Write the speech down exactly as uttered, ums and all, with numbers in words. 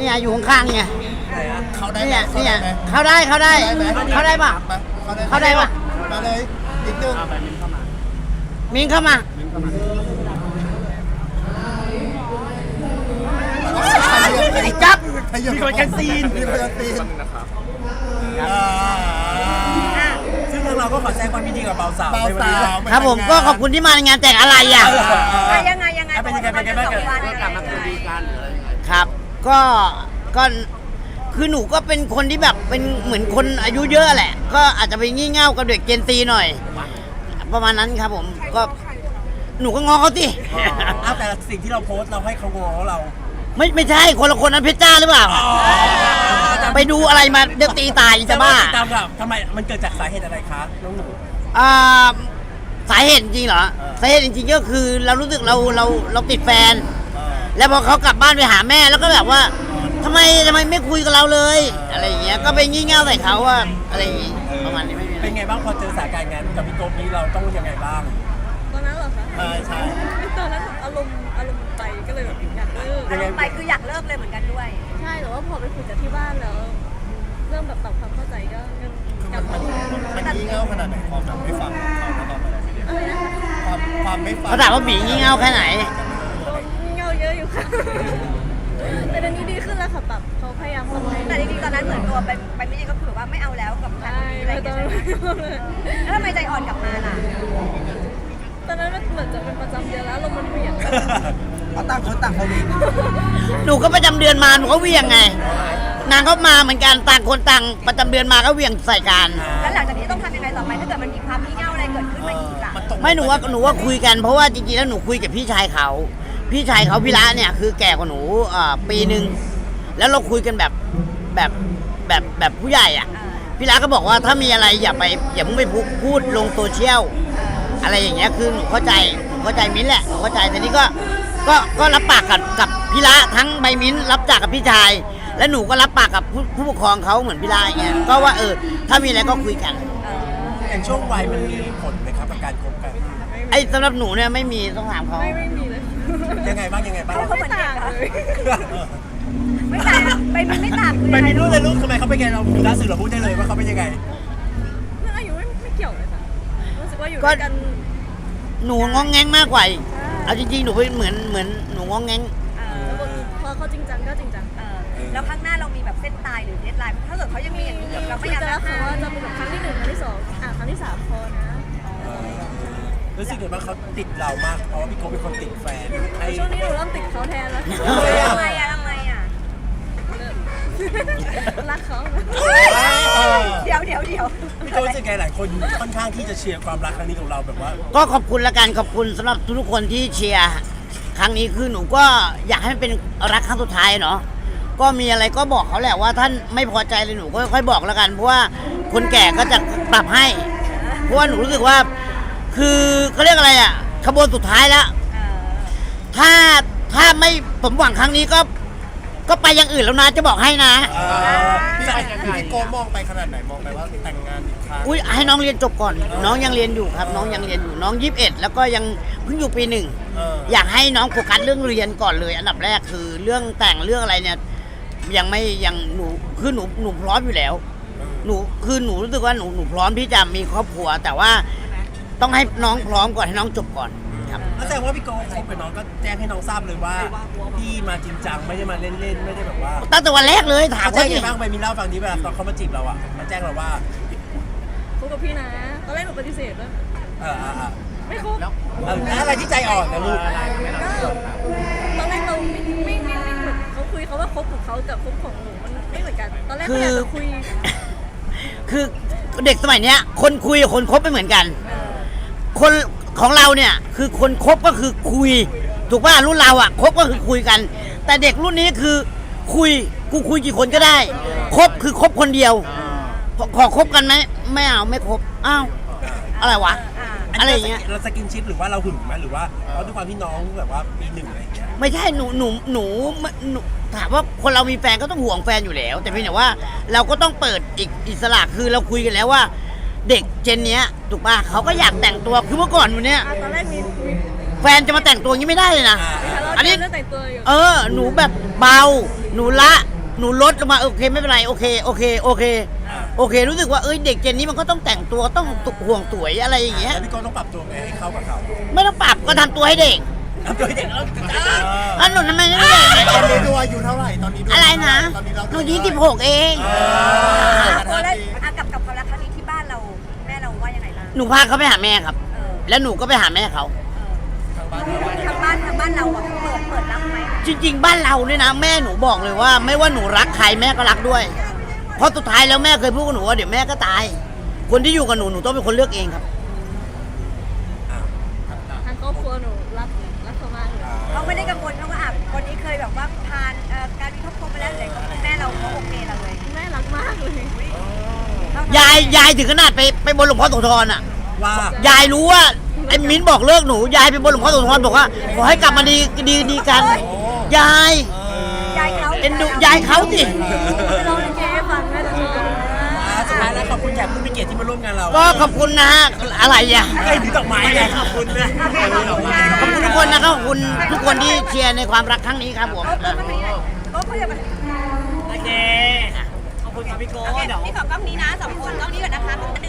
นี่อยู่ข้างๆเนี่ยไหนอะเขาได้เนี่ยเขาเนี่ได้ยไหมเข้าได้เข้าได้เข้าได้ปะ เข้าได้ปะมาเลยอีกหนึ่งมิงเข้ามา ไอ้จับมีคนกันซีนมีคนกันซีนอ่าซึ่งทางเราก็ขอแสดงความยินดีกับเบาสาวเบาในวันสานี้วครับผมก็ขอบคุณที่มาในงานแต่งอะไรอ่ะอ่ะยังไงยังไงเป็นยังไงเป็นยังไงบ้างวันก็กลับมาคืนดีกันหรืออะไรยังไงครับ ก็ก็คือหนูก็เป็นคนที่แบบเป็นเหมือนคนอายุเยอะแหละ ก็อาจจะไปงี่เง่ากับเด็กเจนซีหน่อย ประมาณนั้นครับผมก็หนูก็งอเขาสิอ้าวแต่สิ่งที่เราโพสต์เราให้เขาง้อเราไม่ไม่ใช่คนละคนนั้นเพชรจ้าหรือเปล่า ไปดูอะไรมาเดี๋ยวตีตายจะบ้าตามกับทำไมมันเกิดจากสาเหตุอะไรคะน้องหนูอ่าสาเหตุจริงเหรอสาเหตุจริงๆก็คือเรารู้สึกเราเราเราติดแฟน แล้วพอเขากลับบ้านไปหาแม่แล้วก็แบบว่าทำไมทำไมไม่คุยกับเราเลย อะไรอย่างเงี้ยก็ไปงี่เง่าใส่เขาว่าอะไรอย่างงี้ประมาณนี้ไม่มีอะไรเป็นไงบ้างพอเจอสถานการณ์งานกับพี่โก๊ปนี้เราต้องยังไงบ้างตอนนั้นเหรอคะใช่ใช่ตอนนั้นอารมณ์อารมณ์ไปก็เลยแบบอยากเลิกยังไงไปคืออยากเลิกเลยเหมือนกันด้วยใช่แต่ว่าพอไปคุยกับที่บ้านแล้ว เริ่มแบบปรับความเข้าใจก็กลับมาดีมันงี่เง่าขนาดไหนความแบบไม่ฟังเขาตอนนั้นอะไรนะคะความความไม่ฟังเขาถามว่าบีงี่เง่าแค่ไหนเงาเยอะอยู่ค่ะแต่ตอนนี้ดีขึ้นแล้วค่ะปรับเขาพยายามปรับให้แต่จริงๆตอนนั้นเหมือนตัวไปไปไม่ดีก็คือแบบว่าไม่เอาแล้วกับแฟนใช่อะไรไม่อย่างต้เงี้องยใช่ไหมแล้วทำไมใจอ่อนกลับมาล่ะตอนนั้นมันเหมือนจะเป็นประจำเดือนแล้วลมมันเหวี่ยงเพราะต่างคนต่างเขาดีหนูก็ประจำเดือนมาหนูก็เหวี่ยงไง นางก็มาเหมือนกันต่างคนต่างประจำเดือนมาก็เหวี่ยงใส่กันแล้วหลังจากนี้ต้องทำยังไงต่อไปถ้าเกิดมันมีความงี่เง่าอะไรเกิดขึ้นมาอีกล่ะไม่หนูว่าหนูว่าคุยกันเพราะว่าจริงๆแล้วหนูคุยกับพี่ชายเขา พี่ชายเขาพี่ละเนี่ยคือแก่กว่าหนูอ่าปีหนึ่งแล้วเราคุยกันแบบแบบแบบแบบผู้ใหญ่อ่ะ พี่ละก็บอกว่าถ้ามีอะไรอย่าไปอย่าเพิ่งไปพูดลงโซเชียลอะไรอย่างเงี้ยคือหนูเข้าใจหนูเข้าใจมิ้นท์แหละหนูเข้าใจแต่นี่ก็ก็ก็รับปากกับกับพี่ละทั้งใบมิ้นท์รับจากกับพี่ชาย และหนูก็รับปากกับผู้ผู้ปกครองเขาเหมือนพี่ละอย่างเงี้ยก็ว่าเออถ้ามีอะไรก็คุยกันอย่างช่วงวัยมันมีผลไหมครับกับการคบกันไอ้สำหรับหนูเนี่ยไม่มีต้องถามเขาไม่ไม่มีเลยยังไงบ้างยังไงบ้างเขาเหมือนต่าเด็กงเหรอเลยไม่ต่างไปมันไม่ต่างคือไปอะไรมีลูกเลยลูกทำไมเขาเป็นไงเราล่าสุดเราพูดได้เลยว่าเขาเป็นยังไงเรื่องอายุไม่ไม่เกี่ยวเลยค่ะรู้สึกว่าอยู่ด้วยกันหนูงองแงงมากกว่าอีกเอาจริงๆหนูเป็นเหมือนเหมือนหนูงองแงงเอแล้วอพอเขาจริงจังก็จริงจังเออแล้วข้างหน้าเรามีแบบเส้นตายหรือเดดไลน์ถ้าเกิดเขายังมีอย่างนี้อยู่เราคุไม่ยอยากกันจะแล้วค่ะห้ามว่าจะมีแบบครั้งที่หนึ่งครั้งที่สองอ่ะครั้งที่สามพอนะรู้สึกไงบ้างเขาติดเรามากเพราะว่าพี่โก๊ปเป็นคนติดแฟนไอ้ช่วงนี้หนูเริ่มติดเขาแทนแล้วทำไมอะทำไมอะเริ่มรักเขานะเดี๋ยวเดี๋ยวเดี๋ยวพี่โก๊ปรู้สึกไงหลายคนค่อนข้างที่จะเชียร์ความรักครั้งนี้ของเราแบบว่าก็ขอบคุณละกันขอบคุณสำหรับทุกๆคนที่เชียร์ครั้งนี้คือหนูก็อยากให้มันเป็นรักครั้งสุดท้ายเนาะก็มีอะไรก็บอกเขาแหละว่าท่านไม่พอใจเลยหนูก็ค่อยๆบอกแล้วกันเพราะว่าคนแก่ก็จะปรับให้ เพราะว่าหนูรู้สึกว่า คือเขาเรียกอะไรอ่ะขบวนสุดท้ายแล้วเออถ้าถ้าไม่สมหวังครั้งนี้ก็ ก็ไปอย่างอื่นแล้วนะจะบอกให้นะพี่พี่โก้มองไปขนาดไหนมองไปว่าแต่งงานอีกครั้งอุ้ยให้น้องเรียนจบก่อน น้องยังเรียนอยู่ครับ น้องยังเรียนอยู่น้องยี่สิบเอ็ดแล้วก็ยังเพิ่งอยู่ปีหนึ่งเอออยากให้น้องโฟกัสเรื่องเรียนก่อนเลย อันดับแรกคือเรื่องแต่งเรื่องอะไรเนี่ยยังไม่ยังหนูคือหนูหนูพร้อมอยู่แล้ว หนูคือหนูรู้สึกว่าหนูหนูพร้อมที่จะมีครอบครัว แต่ว่าต้องให้น้องพร้อมก่อนให้น้องจบก่อนครับแล้วแสดงว่าพี่โก๊ปคบกับน้องก็แจ้งให้น้องทราบเลยว่าพี่มาจริงจังไม่ได้มาเล่นๆไม่ได้แบบว่าตั้งแต่วันแรกเลยถามเขาแจ้ว่างไงดิบ้างไปมีเล่าฟังนี้เวลาตอนเขามาจีบเราอ่ะมาแจ้งเราว่าคบกับพี่นะตอนแรกหนูปฏิเสธด้วยเออเออเออไม่คบแล้วอะไรที่ใจอ่อนนะลูกก็ตอนแรกเราไม่ไม่ไม่ไม่เหมือนเขาคุยเขาว่าคบของเขากับคบของหนูมันไม่เหมือนกัน ตอนแรกเขาอยากจะคุยคือเด็กสมัยเนี้ย คนคุยกับคนคบไม่เหมือนกัน คนของเราเนี่ยคือคนคบก็คือคุย ถูกป่ะรุ่นเราอ่ะคบก็คือคุยกัน แต่เด็กรุ่นนี้คือคุยกูคุยกี่คนก็ได้คบคือคบคนเดียวขอขอคบกันไหมไม่เอาไม่คบอ้าวอะไรวะ อะไรอย่างเงี้ยเราสกินชิปหรือว่าเราหึงไหมหรือว่าเพราะด้วยความที่น้องแบบว่าปีหนึ่งอะไรอย่างเงี้ยไม่ใช่หนูหนูหนูหนูถามว่าคนเรามีแฟนก็ต้องห่วงแฟนอยู่แล้ว แต่เพียงแต่ว่าเราก็ต้องเปิดอีกอิสระคือเราคุยกันแล้วว่า เด็กเจนเนี้ยถูกป่ะเขาก็อยากแต่งตัวคือเมื่อก่อนวันเนี้ยอ่ะตอนแรกมีมีแฟนจะมาแต่งตัวอย่างนี้ไม่ได้เลยนะทะเลาะอันนี้กันเรื่องแต่งตัวอยู่เออ หนูแบบเบา หนูละหนูลดลงมาโอเคไม่เป็นไรโอเคโอเคโอเคโอเค รู้สึกว่าเอ้ยเด็กเจนนี้มันก็ต้องแต่งตัวต้องห่วงสวยอะไรอย่างเงี้ยแล้วพี่โก้ต้องปรับตัวไงให้เข้ากับเขาไม่ต้องปรับก็ทำตัวให้เด็กทำตัวให้เด็กแล้วจ้าอันหนูทำไมไม่ได้ตอนนี้ดูอายุเท่าไหร่ตอนนี้ดูอะไรนะตอนนี้เราหนูยี่สิบหกเองโก้แล้วอ่ะกับกับความรักครั้งนี้ที่บ้านเราแม่เราว่ายังไงบ้างหนูพาเขาไปหาแม่ครับเออแล้วหนูก็ไปหาแม่เขาทางบ้านทางบ้านทางบ้านเราอ่ะเปิดเปิดรับไหมจริง ๆ บ้านเราเนี่ยนะแม่หนูบอกเลยว่า ไม่ว่าหนูรักใครแม่ก็รักด้วย เพราะสุดท้ายแล้วแม่เคยพูดกับหนูว่าเดี๋ยวแม่ก็ตาย คนที่อยู่กับหนูหนูต้องเป็นคนเลือกเองครับทางครอบครัวหนูรักรักเขามากเลยเขาไม่ได้กังวลเขาว่าอ่ะคนนี้เคยแบบว่าผ่านเอ่อการมีครอบครัวมาแล้วอะไรของแม่เราเขาโอเคเราเลยแม่รักมากเลยยายยายถึงขนาดไปไปบนหลวงพ่อโสธรอ่ะว่ายายรู้ว่าไอ้มิ้นบอกเลิกหนูยายไปบนหลวงพ่อโสธรบอกว่าขอให้กลับมาดีดีดีกัน ยายยายเขาเอ็นดูยายเขาสิไปร้องลิเกให้ฟังแม่จะชอบอ่าสุดท้ายแล้วขอบคุณแขกผู้มีเกียรติที่มาร่วมงานเราก็ขอบคุณนะฮะอะไรอ่ะให้ถือดอกไม้ไงขอบคุณเลยขอบคุณทุกคนนะครับขอบคุณทุกคนที่เชียร์ในความรักครั้งนี้ครับผมเขาเขาไม่ได้เขาเขาจะมาโอเคขอบคุณครับพี่โก้โอเคเดี๋ยวพี่ขอกล้องนี้นะสองคนกล้องนี้ก่อนนะคะ